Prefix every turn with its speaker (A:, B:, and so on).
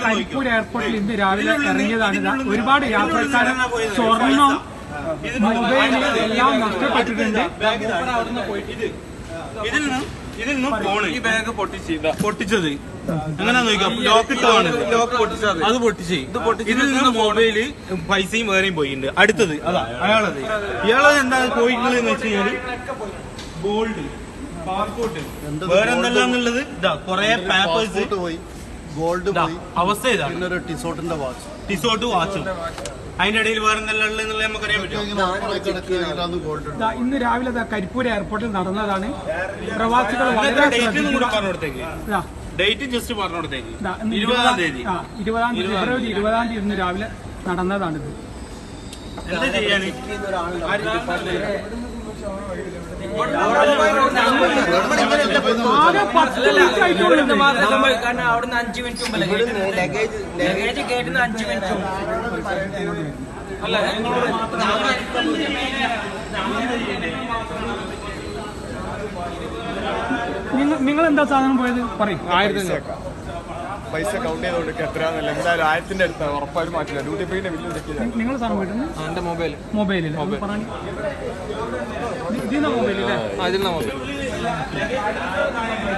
A: കരിപ്പൂർ എയർപോർട്ടിൽ ഇന്ന് രാവിലെ ഇറങ്ങിയതാണ്. ഒരുപാട് യാത്രക്കാർ സ്വർണം, മൊബൈൽ എല്ലാം നഷ്ടപ്പെട്ടിട്ടുണ്ട്.
B: ഇതിൽ നിന്ന് ഫോണ് ഈ ബാഗ് പൊട്ടിച്ചത് എങ്ങനെയാ നോക്കാം. ലോക്ക് ഇട്ടതാണ്, ലോക്ക് പൊട്ടിച്ചത്, അത് പൊട്ടിച്ച് ഇതിൽ നിന്ന് മൊബൈല് പൈസയും വേറെയും പോയിട്ടുണ്ട്. അടുത്തത് അതാ അയാളത്. ഇയാളത് എന്താ പോയിട്ടുള്ളത് എന്ന് വെച്ച് കഴിഞ്ഞാല് ഗോൾഡ്, പാസ്പോർട്ട്, വേറെ എന്തെല്ലാന്നുള്ളത് ഇതാ കൊറേ പേപ്പേഴ്സ്
C: പോയി, ഗോൾഡ് പോയി,
B: അവസ്ഥ ഇതാ.
C: പിന്നെ ഒരു ടിസോട്ടിന്റെ വാച്ച്,
B: ടിസോട്ട് വാച്ചും അതിന്റെ ഇടയിൽ വേറെ എന്തെല്ലാം ഉള്ളത് നമുക്കറിയാൻ പറ്റും.
A: ഇന്ന് രാവിലെ കരിപ്പൂർ എയർപോർട്ടിൽ നടന്നതാണ്. പ്രവാസികൾ വളരെ
B: ഡേറ്റ് ജസ്റ്റ് പറഞ്ഞോടത്തേക്ക്
A: 20-ാം തീയതി ഫെബ്രുവരി 20-ാം തീയതി ഇന്ന് രാവിലെ നടന്നതാണിത്.
B: എന്താ ചെയ്യാന്?
A: ആകെ 10 മിനിറ്റ് ആയിട്ടുള്ളൂ.
D: കാരണം അവിടുന്ന് 5 മിനിറ്റ് മുമ്പ് ലഗേജ് കേട്ടുന്ന 5 മിനിറ്റ് അല്ല.
A: നിങ്ങൾ എന്താ സാധനം പോയത് പറയും.
E: പൈസ കൗണ്ട് ചെയ്ത് കൊടുക്കുക എത്രയാന്നല്ല, എന്തായാലും 1000ന്റെ അടുത്താണ് ഉറപ്പായും മാറ്റില്ല. ഡ്യൂട്ടി പേയുടെ ബില്ലും ചെക്ക് ചെയ്താൽ
A: നിങ്ങൾ സാധനം പോയിട്ടുണ്ട്.
D: എന്റെ
A: മൊബൈലിൽ പറഞ്ഞു ഇതിന്റെ മൊബൈലില്ലേ?
D: മൊബൈൽ